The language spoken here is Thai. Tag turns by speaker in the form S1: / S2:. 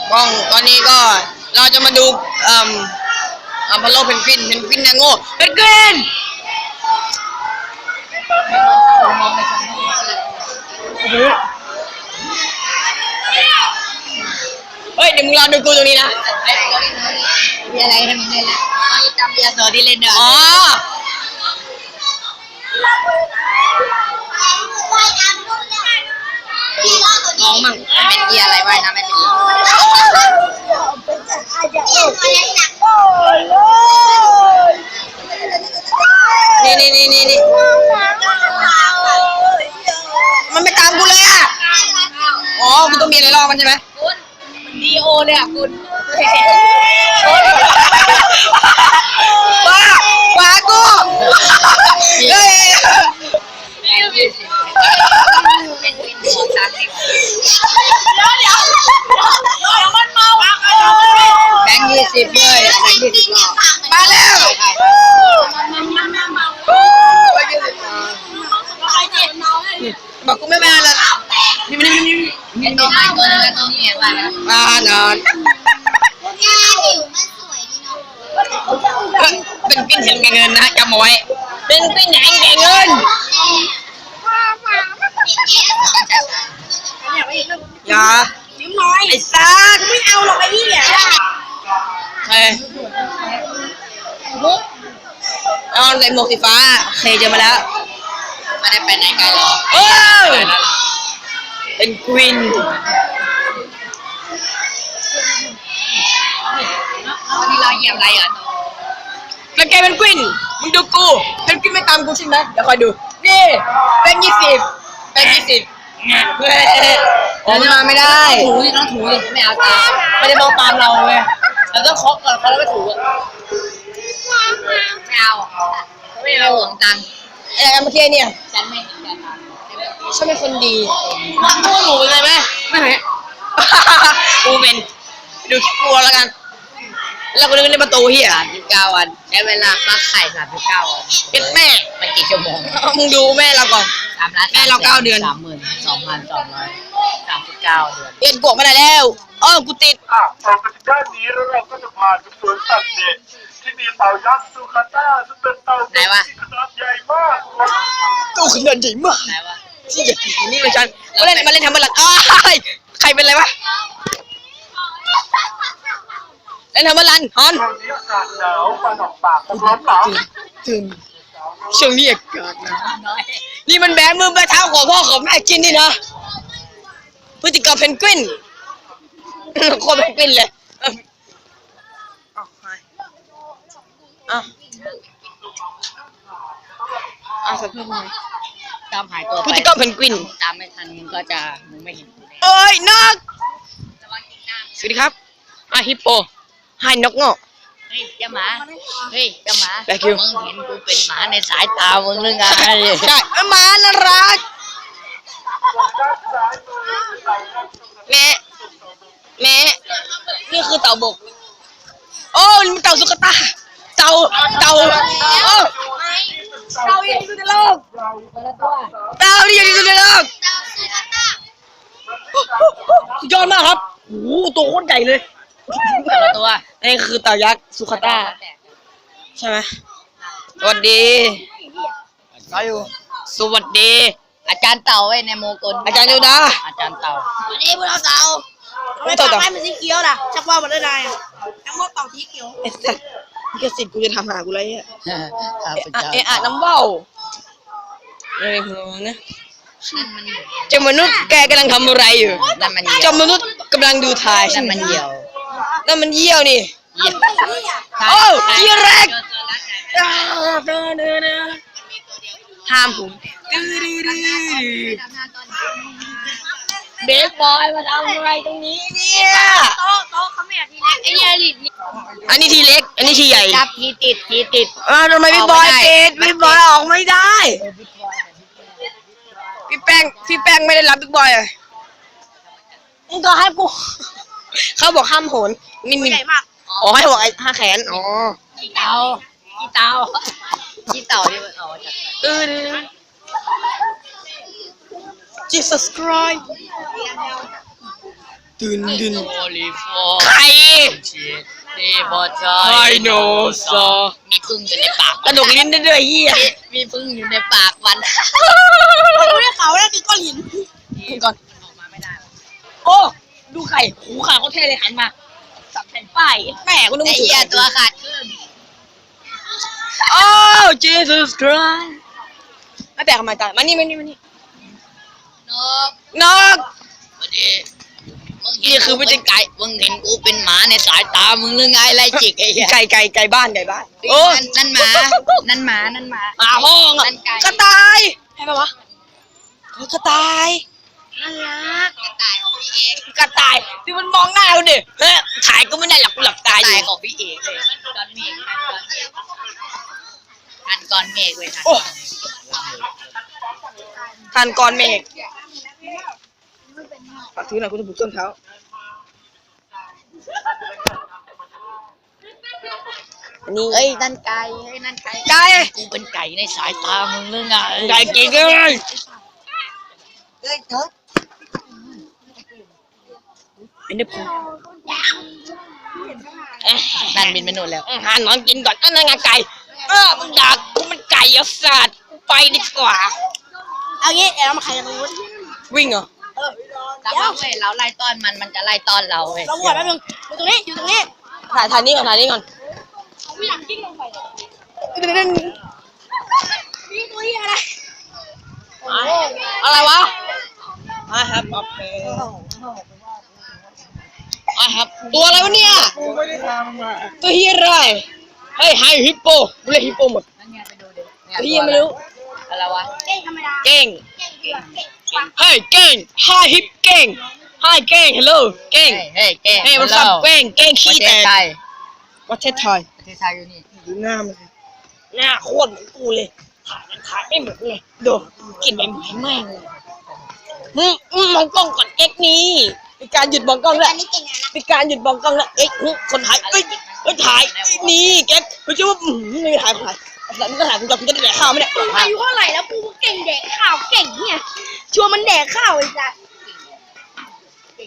S1: กล้องตอนนี้ก็เราจะมาดูอพอลโลเพนกวินนะโง่เพนกวินเฮ้ยเดี๋ยวมึงรอดูกูตรงนี้นะ
S2: มีอะไรทำยังไงล่ะจำเบียร์โซที่เล่นด้วย
S1: อ๋อลองมั่ง
S2: มันเป็นเบียร์อะไรวะนะไม่เป็น
S1: นี่มันไม่ตามกูเลยอ่ะอ๋อกูต้องมีอะไรรอมันใช่ไหม
S2: คุณดีโอเลยอ่ะคุณ
S1: บ้ากูเฮ้ย
S2: เป็นวินหัวซักเดี๋ยวมันเมา
S1: แบงค์20เลยแบงค์20รอบมาแล้วบอกกูไม่มาแล้ว
S2: เป็นตัวไม้ตัวนึงตัวนี้มาแล้ว
S1: นอนเป็นปิ้นเห็นแก่เงินนะจำเอาไว้เป็นปิ้นเห็นแก่เงินอย่าไอ้ซัก
S2: ไม่เอาหรอกไอ้นี่อ่ะ
S1: เฮ้ยเอาใส่หมวกสีฟ้าเคยเจอมาแล้ว
S2: ไม่ได้ไปไหนไกลหรอก
S1: เป็นควีน
S2: วันนี้เราเหยียบอะไรอ่ะ
S1: แล้วแกเป็นควีนมึงดูกูเป็นควีนไม่ตามกูใช่ไหมเดี๋ยวคอยดูนี่เป็น20ผมมาไม่ได้
S2: ต้องถูดิไม่เอาตาม
S1: ไม่ได้มองตามเราเว้ยเราต้องเคาะก่อนเขาแล้วไม่ถูอ่ะ
S2: ไม่เอาห่วงตังค์
S1: อะไรกันเมื่อกี้เนี่ย
S2: ฉันไม่เห็นกัน
S1: ฉันเป็นคนดีมาดูหนูเลยไหมไม่เห็นกูเป็นดูคลิปกูแล้วกันแล้วกูนึกในประตูเฮีย
S2: 39 วันใช้เวลาฟักไข่39 วัน
S1: เป็นแม่
S2: มันกี่ชั่วโมง
S1: มึงดูแม่เราก่อนแม่เรา9 เดือน
S2: 32,239 เดือน
S1: เรียนกวกมาได้แล้วกูติด
S3: ต่อไปด้านนี้แล้วเราก็จะพาไปสวนสัตว์เด็กที่มีเต่ายักษ์ซูคาต้าซึ่งเป็นเต่าที่ขนาดใหญ่มาก
S1: ตัวขนาดใหญ่มากที่จะกินนี่เลยจันมาเล่นทำอะไรใครเป็นอะไรวะเล่นทำอะไรฮอน
S3: ตอนนี้อากาศหนาวฟันออกปากผมร้อนหนาว
S1: ถึงช่วงนี้อากาศหนาวนี่มันแบมือแบเท้าของพ่อของแม่กินนี่นะพฤติกรรมเพนกวินโคตรเพนกวินเลยสักเพิ่มหน่อย
S2: ตามหายตัวไป
S1: พฤติกรรมเพนกวิน
S2: ตามไม่ทันมึงก็จะมึงไม่เห็นกู
S1: เอ้ยนกสวัสดีครับฮิปโปให้นกเงาะ
S2: เฮ้ยเจ้าหมามึงเห็นกูเป็นหมาในสายตามึงหรือไง
S1: ใช่หมาน่ารักแม่นี่คือเต่าบกโอ้นี่มันเต่าสุกตาเต่ายังอยู่ในโลกเต่านี่ยังอยู่ในโลกสุดยอดมากครับโอ้ตัวโคตรใหญ่เลย
S2: ตัว
S1: นี่คือเต่ายักษ์สุขตาใช่ไหมสวัสดีสวัสดี
S2: อาจารย์เต่าไว้ในโมกุล
S1: อาจารย์เดียวดา
S2: อาจารย์เต่า
S4: วันนี้พวกเราเต่าไม่ต่อไปมันสีเขียวนะชักว่ามันได้ไงน้ำมันเต่าสีเขียว
S1: นี่ก็สิทธิ์กูจะทำหากูเลยอ่ะน้ำว่าวอะไรของเรานะเจ้ามนุษย์แกกำลังทำอะไรอยู่เจ้ามนุษย์กำลังดูถ่าย
S2: นั่นมันเหี่ยว
S1: นี่โอ้ยีราฟห้ามผมเบสบอยมาทำอะไรตรงนี้เนี่ย
S4: โต๊ะเขาไม่อยากทีเล็กไอ้เนี่ย
S1: อันนี้ทีเล็กอันนี้ทีใหญ่
S2: จับทีติด
S1: ทำไมพี่บอยติดพี่บอยออกไม่ได้พี่แป้งไม่ได้รับบิ๊กบอยเลยมึงก็ให้กูเขาบอกห้ามโหน
S4: มีใหญ่มาก
S1: ให้บอกไอ้5 แขน
S2: ขี้เต่าที่มันจาก
S1: Jesus Christ ตื่นดึน
S2: โอลิฟอ
S1: ใคร
S2: ชีดีพอใจ
S1: ไฮโนซอ
S2: มีพึ่งอยู่ในปาก
S1: กระดกลิ้นได้ด้วยเฮีย
S2: มีพึ่งอยู่ในปากมัน
S4: กูได้ข่าวว่านั่นคือก้อนหิน
S1: ก่อน
S2: ออกมาไม่ได้
S1: โอ้ดูไข่หูขาเขาเท่เลยหันมาสับแผ่นป้ายแม่กูนึก
S2: ไอ้
S1: ว่าถือ
S2: เหี้ย
S1: ไข่
S2: ตัวขาดขึ้น
S1: โอ้ Jesus Christ ไม่แปลกทำไมตายมานี่
S2: นก
S1: นก
S2: พอดีนี่คือไม่ใช่ไก่มึงเห็นกูเป็นหมาในสายตามึงหรือไงไรจิกไอ้เหี้ย
S1: ไก่บ้านโอ้
S2: นั่นหมานั่นหมา
S1: หมาห้องอ่ะ
S2: นั่นไก่
S1: กระต่ายให้ปะวะเฮ้ยกระต่าย
S2: น่ารักกระต่ายของพี่เอก
S1: กระต่ายที่มันมองหน้าเราดิเฮ้ยถ่ายก็ไม่ได้หลับกูหลับตาอยู่
S2: ตายของพี่เอกเลยก้อนเมฆทันก้อนเมฆเว้ยทัน
S1: โอ้ทันก่อนเมฆฝากถือหน่อยกูจะปลูกต้นเท้าอันนี้
S2: เอ้ยนั่นไก่เฮ้ยนั่นไก่
S1: ไก่
S2: กูเป็นไก่ในสายตามึงหรือไง
S1: ไก่เก่งเลย
S2: เอ้ยเถิด
S1: เป็นได้พอ
S2: นั่นบินไปนู่นแล้ว
S1: หาหนอนกินก่อนนั่นไงไก่มึงด่ากูมันไก่เอาสัตว์ไปดีกว่า
S4: เอางี้เดี๋ยวเรามาขายกันตรงนู้น
S1: วิ่งเหรอ
S2: แล้วว่าเว้ยเราไล่ต้อนมันจะไล่ต้อนเราเว้ย
S4: เราบวชแป๊บนึงอยู่ตรงนี้
S1: ถ่ายนี่ก่อน
S4: ไม่อยากกิ้งลงไปนี่ตัวนี้อะไร
S1: อะไรวะI have a pen ตัวอะไรวะเนี่ยตัวเฮียอะไรเฮ้ยไฮฮิปโปกูเรียกฮิปโปหมด
S2: นั่นไงไปดูดิ
S1: เฮียไม่รู้
S2: อะไรวะ
S4: เก่งธรรมดา
S1: เก่ง
S4: เก่งเดือดเก่งกว่า
S1: เฮ้ยเก่ง Hi ฮิปเก่ง Hi เก่ง Hello เก่ง
S2: เฮ้ยเก่ง
S1: เฮ้ยมันสับเก่งเก่ง
S2: ประ
S1: ขี้
S2: เท
S1: แต
S2: ศ
S1: ก
S2: ไทย
S1: ประเทศไทย
S2: ประเทศไทยอยู่นี่
S1: ดูหน้ามันสิหน้าโคตรเหมือนกูเลยถ่ายไม่เหมือนเลยดูกินไปเหมือนแม่งเลยมองกล้องก่อนเอ็กนี่มีการหยุดมองกล้องแล้ว
S4: อันนี้เก่งนะ
S1: มีการหยุดมองกล้องแล้วเอ็กคนถ่ายเอ้ยถ่ายนี่แกกูจะว่าไม่ถ่ายแล้วมึงก็ถ่ายกูจะได้แดกข้าวไหมเนี่ย
S4: อายุเท่าไหร่แล้วกูเก่งแดกข้าวเก่งเนี่ยชวนมันแดกข้าวไอ้สัส